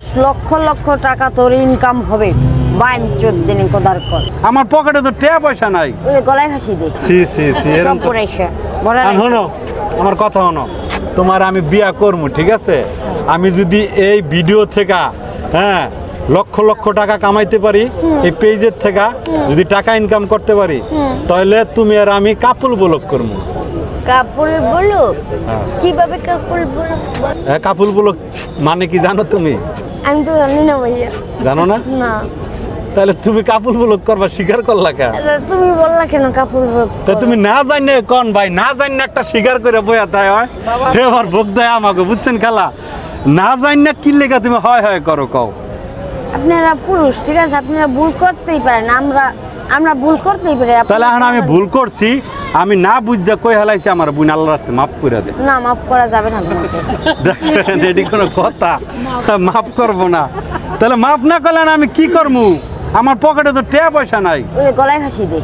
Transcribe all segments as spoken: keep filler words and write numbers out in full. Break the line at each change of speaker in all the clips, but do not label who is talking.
লক্ষ লক্ষ টাকা তোর ইনকাম হবে। বাইন চোদ্দিন কোদার কর
আমার পকেটে তো টাকা পয়সা নাই।
ওই যে গলায় ফাঁসি দে।
সি সি সি এরকম তো-
পয়সা বড়
আর শোনো আমার কথা শোনো, তোমার আমি বিয়া করবো, ঠিক আছে? আমি যদি এই ভিডিও থেকে হ্যাঁ লক্ষ লক্ষ টাকা কামাইতে পারি, এই পেজের থেকে যদি টাকা ইনকাম করতে পারি, তাহলে তুমি আর আমি কাপুল ব্লক করবো।
কাপুল বলো
হ্যাঁ।
কিভাবে কাপুল বলো?
হ্যাঁ, কাপুল ব্লক মানে কি জানো তুমি?
আমি তো জানি না ভাইয়া।
জানো না?
না
তাহলে তুমি কাপুল ব্লক করবা স্বীকার করলা কেন?
আরে তুমি বললা কেন কাপুল বলো?
তা তুমি না জানে কোন ভাই, না জানে একটা স্বীকার করে বইয়া তাই হয় এবার ভোগ দেয় আমাকে, বুঝছেন খেলা? না জানে কি লেখা তুমি হয় হয় করো কও।
আপনারা পুরুষ, ঠিক আছে, আপনারা ভুল করতেই পারেন, আমরা আমরা ভুল করতেই পারি। আপনারা-
তাহলে এখন আমি ভুল করছি, আমি না বুঝা কই হেলাইছি, আমার বোন আল্লাহর রাস্তায় মাফ করে দে।
না, মাফ করা যাবে না তোমাকে।
দেখছেন এটি কোনো কথা? মাফ করবো না? তাহলে মাফ না করলে আমি কি করবো? আমার পকেটে তো টাকা পয়সা নাই।
ওই যে গলায় ফাঁসি দে।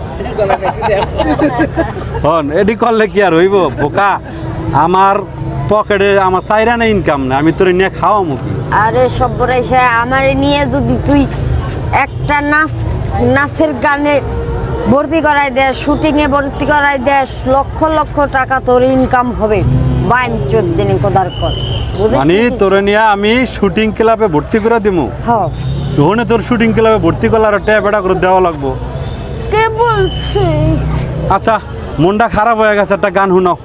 হন এটি করলে কি আর হইব বোকা? আমার পকেটে আমার চাইরানা ইনকাম না, আমি তোর নিয়ে খাওয়ামু কি?
আরে সব্বরাইসা আমারে নিয়ে যদি তুই একটা নাচ নাচের গানে ভর্তি করাই দেস, শুটিং এ ভর্তি করাই দেস, লক্ষ লক্ষ টাকা তোর ইনকাম হবে। বাইন চোদ্দিন কোদার কর
মানে তোরে নিয়ে আমি শুটিং ক্লাবে ভর্তি করে দিমু।
হ্যাঁ
ওখানে তোর শুটিং ক্লাবে ভর্তি করলে আর ট্যাপ বেটা করে দেওয়া লাগবো।
কে বলছে?
আচ্ছা মনটা খারাপ হয়ে গেছে, একটা গান শুনাও।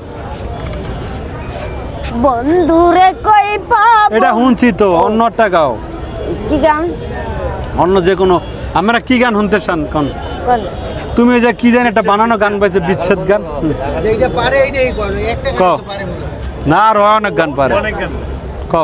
বন্ধুরে কই পাবো?
এটা শুনছি তো, অন্য একটা গাও,
কি গান?
অন্য যে কোনো। আমরা কি গান শুনতে চান কোন?
বল।
তুমি ওই যে কি জানি একটা বানানো গান পাইছে, বিচ্ছেদ গান। হুম।
যেটা পারে এইটাই করো, একটা
ক
গান তো পারে মনে হয়।
না আরো অনেক গান পারে, কও।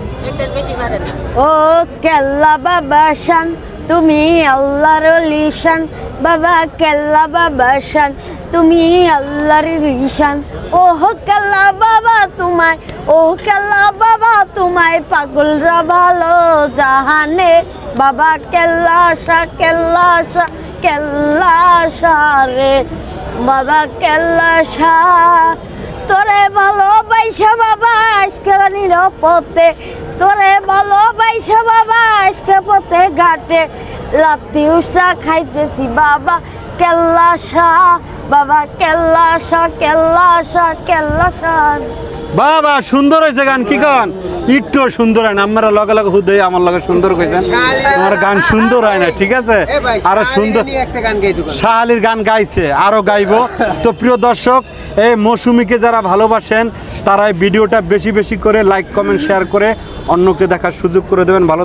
ও কেল্লা বাবা শান, তুমি আল্লাহর লিশান। বাবা কেল্লা বাবা শান, তুমি আল্লাহর লিশান। ও কেল্লা বাবা তোমায়, ও কেল্লা বাবা তোমায় পাগলরা ভালো জাহানে। বাবা কেল্লা শাহ, কেল্লা শাহ, কেল্লা শাহ রে, বাবা কেল্লা শাহ। তোরে ভালোবাইসা বাবা আজকে নিরাপদে, তোরে ভালোবাইসা বাবা আজকে পথে ঘাটে লাত্তি উষ্টা খাইতেছি বাবা কেল্লা শাহ। বাবা কেল্লা শাহ, কেল্লা শাহ, কেল্লা শাহ।
বাবা সুন্দর হয়েছে গান, কি গান? একটু সুন্দর হয় না, আমরা লগে লগে হুদে আমার লগে সুন্দর কইছেন। আমার গান সুন্দর হয় না, ঠিক আছে?
এ ভাই,
আরো
শাহ
সুন্দর
আলী নিয়ে একটা গান গাইতে পারো।
শাহ আলীর গান গাইছে, আরো গাইবো। তো প্রিয় দর্শক, এই মৌসুমীকে যারা ভালোবাসেন তারা এই ভিডিওটা বেশি বেশি করে লাইক কমেন্ট শেয়ার করে অন্যকে দেখার সুযোগ করে দেবেন। ভালো